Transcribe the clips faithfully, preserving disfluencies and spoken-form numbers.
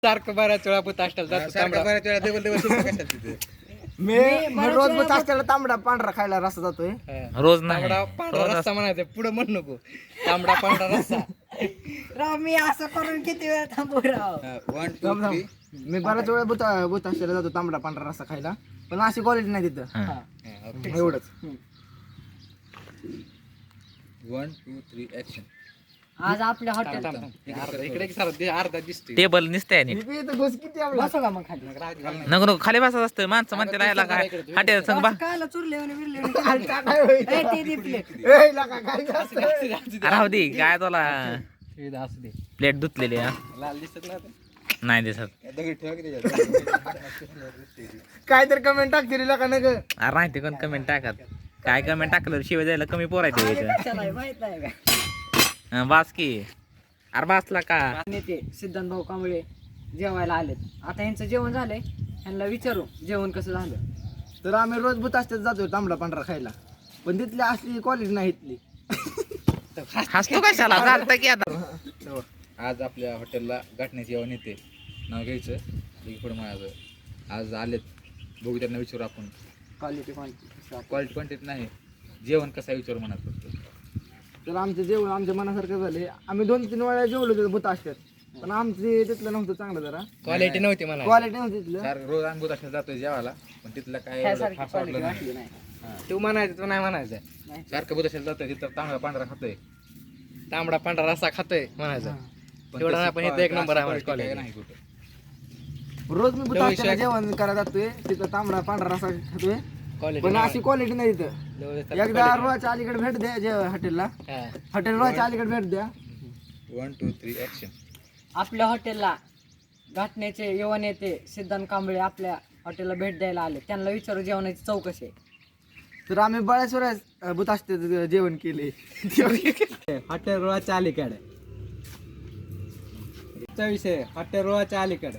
सारखं बऱ्याच वेळा बुत असतात सारखं बऱ्याच वेळा डबल डबल शिफ्ट कशात तिथे मी मी रोज बुत असताना तांबडा पांढरा खायला रस्ता जातोय. रोज नाही तांबडा पांढरा रस्सा म्हणायचं पुढे म्हण नको तांबडा पांढरा रस्सा. राव मी असं करून किती वेळ थांबू राव. वन टू थ्री मी बऱ्याच वेळा बुत बुत असताना जातो तांबडा पांढरा रस्सा खायला, पण अशी क्वालिटी नाही तिथं. एवढंच. One two three action. आज आपल्या हॉटेल इकडे की सारं ते अर्धा दिसतोय. टेबल निसते मी बी इथं घुस किती आपला. बसू का मग खाली. नको नको खाली बसत असतं माणसं म्हणते राहायला काय हॉटेल संग बा कायला चुरले बिरले खाली टाकाय होय. ते दे प्लेट. ए, लका काय जास्त. राहू दे काय तुला असू दे प्लेट धुतलेली हा? लाल दिसत ना ते. नाही दिसत दगड ठेवा की त्याच्यात. काय तर कमेंट टाकतील लका नग. अरे नाही ते कोण कमेंट टाकत काय कमेंट टाकलं शिवाय जायला कमी पोरायचं कशाला माहित नाही का. बास की अरे बासला का नेते सिद्धांत भाऊ कांबळे जेवायला आलेत. आता यांचं जेवण झालंय, यांना विचारू जेवण कसं झालं. तर आम्ही रोज बुत असतात जातोय तांबडा पांढरा खायला, पण तिथली असली क्वालिटी नाही इथली. हसतो कशाला चालतं की आता आज आपल्या हॉटेलला गाठण्याची जेवण येते नाव घ्यायचं एक पुढे माझं आज आलेत बघू त्यांना विचारू आपण क्वालिटी क्वालिटी क्वालिटी क्वांटिटी नाही जेवण कसं आहे विचारू म्हणत फक्त. तर आमचं जेवण आमच्या मनासारखं झाले. आम्ही दोन तीन वेळा जेवलो तिथं बुत असतात, पण आमचे तिथलं नव्हतं चांगलं. जरा क्वालिटी नव्हती मला. क्वालिटी नव्हती तिथलं. चार रोज आम्ही बुत असं जातोय जेवायला पण तिथलं काय एवढं ह्यासारखी खास क्वालिटी वाटलं वाटली नाही. नाही. तू म्हणायचं तू नाही म्हणायचं. सारखं बुत असेल जातोय तिथं तांबडा पांढरा खातोय तांबडा पांढरा रस्सा खातोय म्हणायचं. पण तेवढं तशी नाही, पण इथं एक quality नंबर आहे quality quality. काय नाही कुठं. रोज मी बुत लय असताना शाक- जेवण करायला जातोय तिथं तांबडा पांढरा रस्सा खातोय, क्वालिटी पण अशी क्वालिटी नाही तिथं. एकदा रोजच्या अलीकडे भेट द्या जे हॉटेलला हॉटेल रोजच्या अलीकडे भेट द्या. One two three action. आपल्या हॉटेलला घाटण्याचे युवा नेते सिद्धांत कांबळे आपल्या हॉटेलला भेट द्यायला आले. त्यांना विचारू जेवणाची चव कशी आहे. तर आम्ही बऱ्याच वेळा बुत असते जेवण केले. हॉटेल रोळाच्या अलीकडे विषय हॉटेल रोळाच्या अलीकडे.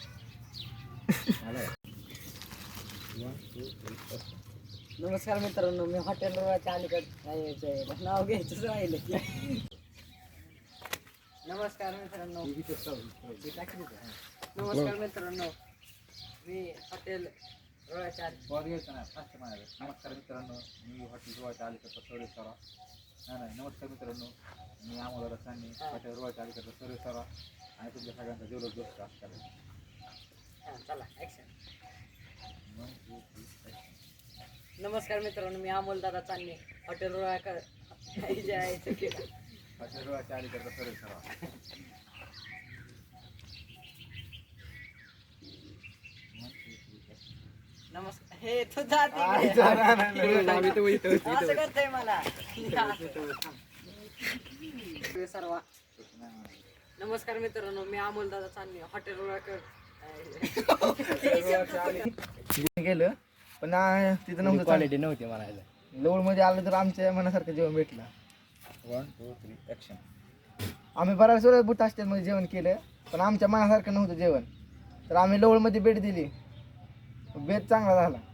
नमस्कार मित्रांनो, मी हॉटेल रोळाच्या अलीकडे नाव घ्यायचं राहिलं. नमस्कार मित्रांनो नमस्कार मित्रांनो मी हॉटेल रोळाच्या नमस्कार मित्रांनो मी हॉटेल रोहाच्या अलीकडचा सर्विस करा नाही नाही नमस्कार मित्रांनो मी अमोल रसांनी हॉटेल रोहाच्या अलीकडचा सर्विस करा आणि तुमच्या सगळ्यांचा जेवढं दोस्त करायचा. हां, चला ॲक्शन. नमस्कार मित्रांनो मी अमोल दादा चांदणे हॉटेल रोळाकडे जायचं केलं. हॉटेल रोहाच्या अलीकडचा सर्विस करा. नमस्कार हे तू जाते असं करतोय मला सर्व. नमस्कार मित्रांनो मी अमोल दादा चांदणे हॉटेल रोळाकडे गेलं, पण आ, तिथं नव्हतं क्वालिटी नव्हती म्हणायचं. लवळ मध्ये आलं तर आमच्या मनासारखं जेवण भेटलं. One two three action. आम्ही बऱ्याच वेळा बुट असतात मध्ये जेवण केलं, पण आमच्या मनासारखं नव्हतं जेवण. तर आम्ही लवळ मध्ये भेट दिली, बेत चांगला झाला.